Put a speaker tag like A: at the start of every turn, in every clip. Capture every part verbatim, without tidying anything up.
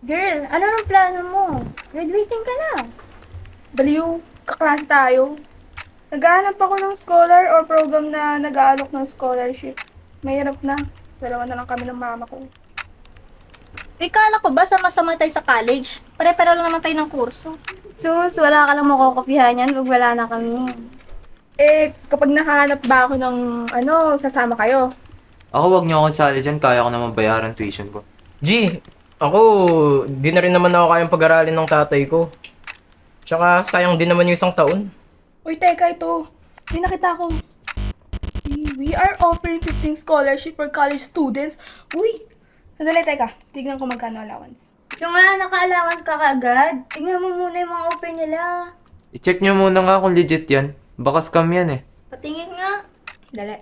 A: Girl, ano nang plano mo? Graduating ka na.
B: Baliw, kaklase tayo. Naghahanap ako ng scholar or program na nag-aalok ng scholarship. Mahirap na. Dalawa na lang kami ng mama ko.
A: Ikala ko ba sama-sama tayo sa college? Pare-pare lang naman tayo ng kurso. Sus, wala ka lang makokopyahan yan pag wala na kami.
B: Eh, kapag nakahanap ba ako ng ano, sasama kayo?
C: Ako, wag niyo akong sali dyan. Kaya ko naman bayaran tuition ko.
D: G, ako, di na rin naman ako kayang pag-aralin ng tatay ko. Tsaka, sayang din naman yung isang taon.
B: Uy, teka ito. May nakita ko. We are offering fifteen scholarship for college students. Uy! Sandali, teka. Tignan ko magkano allowance.
A: Yung nga, naka-allowance ka kaagad. Tingnan mo muna yung mga offer nila.
C: I-check niyo muna nga kung legit yan. Baka scam yan eh.
A: Patingin nga. Dali.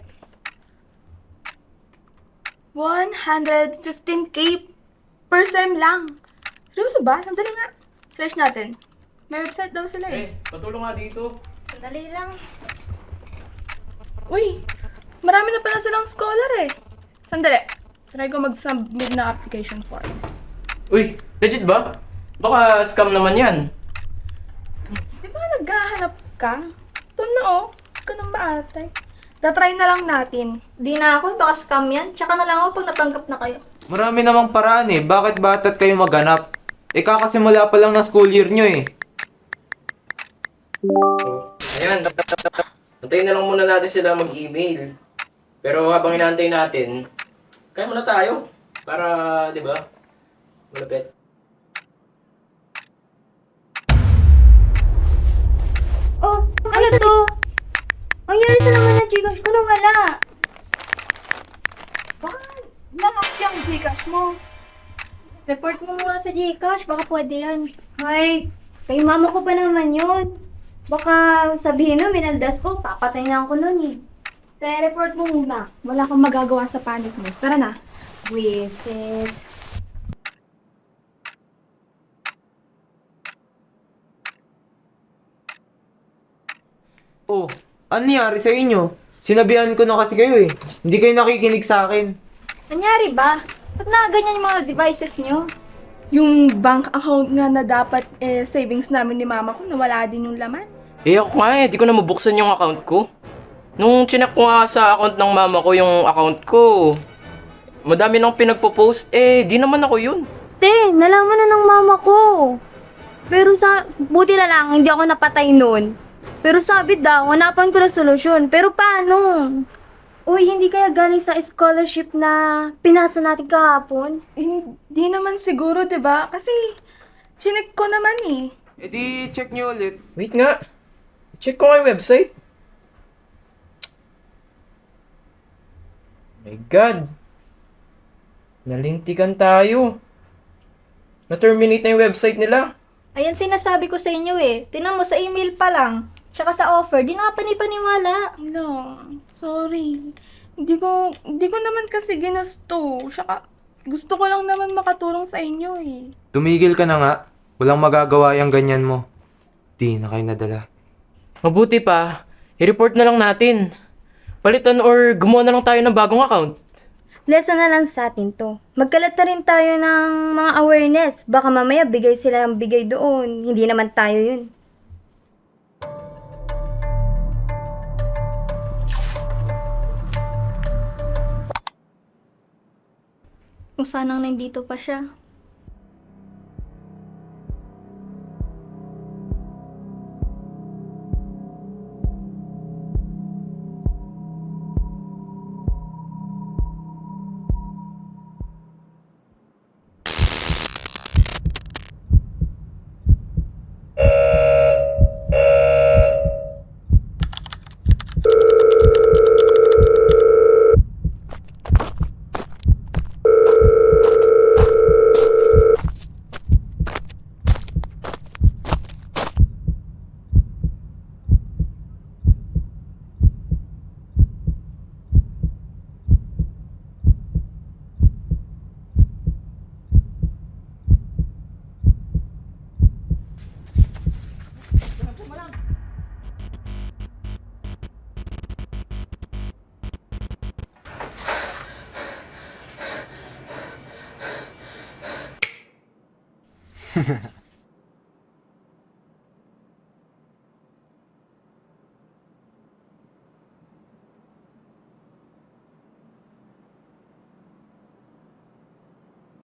B: one hundred fifteen K per sem lang. Seryoso ba? Sandali nga. Search natin. May website daw sila eh.
D: Eh, patulong nga dito.
A: Sandali lang.
B: Uy! Marami na pala silang scholar eh. Sandali. Try ko mag-submit na application form.
D: Uy, legit ba? Baka scam naman yan.
B: Di ba naghahanap ka? Ito na oh. Huwag ka nang maatay. Tatry na lang natin.
A: Di na ako, baka scam yan. Tsaka na lang ako pag natanggap na kayo.
C: Marami namang paraan eh. Bakit batat kayo maghanap? Eh kakasimula pa lang ng school year nyo eh.
D: Ayan, antayin na lang muna natin sila mag-email. Pero habang inaantay natin, kaya muna tayo. Para, di ba, malapit.
A: Oh, ano to? Ang yari sa naman ng Gcash ko na wala.
B: Baka na-hack yung Gcash mo.
A: Report mo muna sa Gcash, baka pwede yan. Ay, kay mama ko pa naman yun. Baka sabihin no, minaldas ko, papatay na ako nun eh.
B: Kaya report mo muna. Wala kang magagawa sa panic mo. Tara na.
A: Wisit.
C: Oh, ano nangyari sa inyo? Sinabihan ko na kasi kayo eh. Hindi kayo nakikinig sa akin.
A: Nangyari ba? Ba't na ganyan yung mga devices nyo?
B: Yung bank account nga na dapat eh, savings namin ni mama ko, nawala din yung laman.
D: Eh ako nga eh, di ko na mabuksan yung account ko. Nung chinek ko nga sa account ng mama ko yung account ko, madami nang pinagpo-post, eh di naman ako yun.
A: Te, nalaman na ng mama ko. Pero sa, buti na lang, hindi ako napatay nun. Pero sabi daw, hanapan ko na solusyon. Pero paano? Uy, hindi kaya galing sa scholarship na pinasa natin kahapon?
B: Eh, Hindi naman siguro, di ba? Kasi, chinek ko naman eh.
C: Eh di check nyo ulit.
D: Wait nga, check ko nga yung website. My God. Nalintikan tayo. Na-terminate na yung website nila.
A: Ayan sinasabi ko sa inyo eh. Tinan mo sa email pa lang. Tsaka sa offer, di na ka panipaniwala.
B: No, sorry. Hindi ko, hindi ko naman kasi ginusto. Saka, gusto ko lang naman makatulong sa inyo eh.
C: Tumigil ka na nga. Walang magagawa yung ganyan mo. Di na kayo nadala.
D: Mabuti pa, i-report na lang natin. Palitan or gumawa na lang tayo ng bagong account.
A: Lesson na lang sa atin to. Magkalat na rin tayo ng mga awareness. Baka mamaya bigay sila ng bigay doon. Hindi naman tayo yun. Kung sanang nandito pa siya.